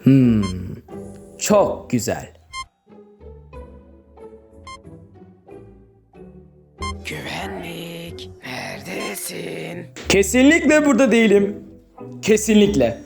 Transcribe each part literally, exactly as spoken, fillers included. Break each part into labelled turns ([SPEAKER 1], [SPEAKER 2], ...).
[SPEAKER 1] Hmm. Çok güzel.
[SPEAKER 2] Güvenlik, neredesin?
[SPEAKER 1] Kesinlikle burada değilim. Kesinlikle.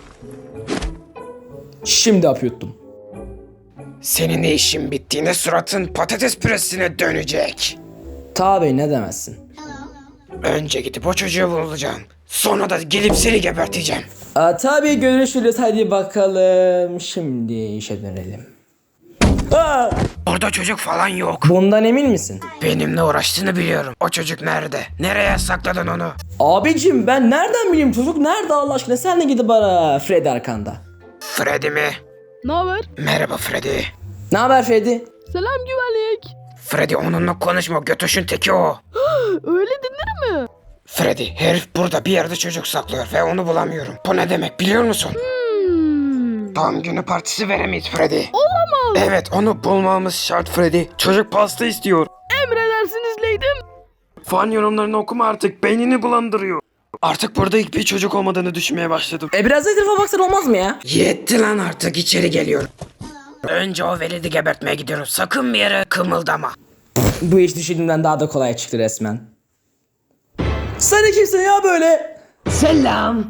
[SPEAKER 1] Şimdi hap yuttum.
[SPEAKER 2] Senin işin bittiğinde suratın patates püresine dönecek.
[SPEAKER 1] Tabi ne demezsin.
[SPEAKER 2] Önce gidip o çocuğu bulacağım. Sonra da gelip seni geberteceğim.
[SPEAKER 1] Aa, tabii görüşürüz, hadi bakalım. Şimdi işe dönelim. Aa,
[SPEAKER 2] Orada çocuk falan yok.
[SPEAKER 1] bundan emin misin?
[SPEAKER 2] Benimle uğraştığını biliyorum. O çocuk nerede? Nereye sakladın onu?
[SPEAKER 1] Abicim ben nereden bileyim, çocuk nerede Allah aşkına, sen de gidip ara. Freddy arkanda.
[SPEAKER 2] Freddy mi?
[SPEAKER 3] Ne haber?
[SPEAKER 2] Merhaba Freddy.
[SPEAKER 1] Ne haber Freddy?
[SPEAKER 3] Selam güvenlik.
[SPEAKER 2] Freddy onunla konuşma, götoşun teki o.
[SPEAKER 3] Öyle denir mi?
[SPEAKER 2] Freddy, herif burada bir yerde çocuk saklıyor ve onu bulamıyorum. Bu ne demek biliyor musun?
[SPEAKER 3] Hmm.
[SPEAKER 2] Doğum günü partisi veremeyiz Freddy.
[SPEAKER 3] Olamaz.
[SPEAKER 2] Evet, onu bulmamız şart Freddy. Çocuk pasta istiyor.
[SPEAKER 3] Emredersiniz leydim.
[SPEAKER 2] Fan yorumlarını okuma artık, beynini bulandırıyor. Artık burada hiçbir çocuk olmadığını düşünmeye başladım.
[SPEAKER 1] E biraz da etrafa baksan olmaz mı ya?
[SPEAKER 2] Yetti lan, artık içeri geliyorum. Önce o velidi gebertmeye gidiyorum. Sakın bir yere kımıldama.
[SPEAKER 1] Bu iş düşündüğümden daha da kolay çıktı resmen. Sen kimsin ya böyle?
[SPEAKER 2] Selam.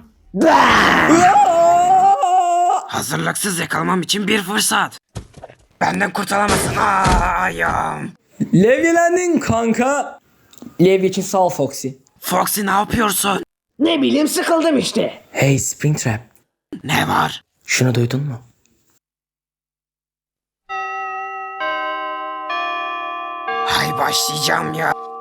[SPEAKER 2] Hazırlıksız yakalamam için bir fırsat. Benden kurtulamazsın. Aa, ayağım.
[SPEAKER 1] Levyelendin kanka. Levye için sağ ol Foxy.
[SPEAKER 2] Foxy ne yapıyorsun?
[SPEAKER 4] Ne bileyim, sıkıldım işte.
[SPEAKER 1] Hey Springtrap,
[SPEAKER 2] Ne var?
[SPEAKER 1] şunu duydun mu?
[SPEAKER 2] Hay başlayacağım ya.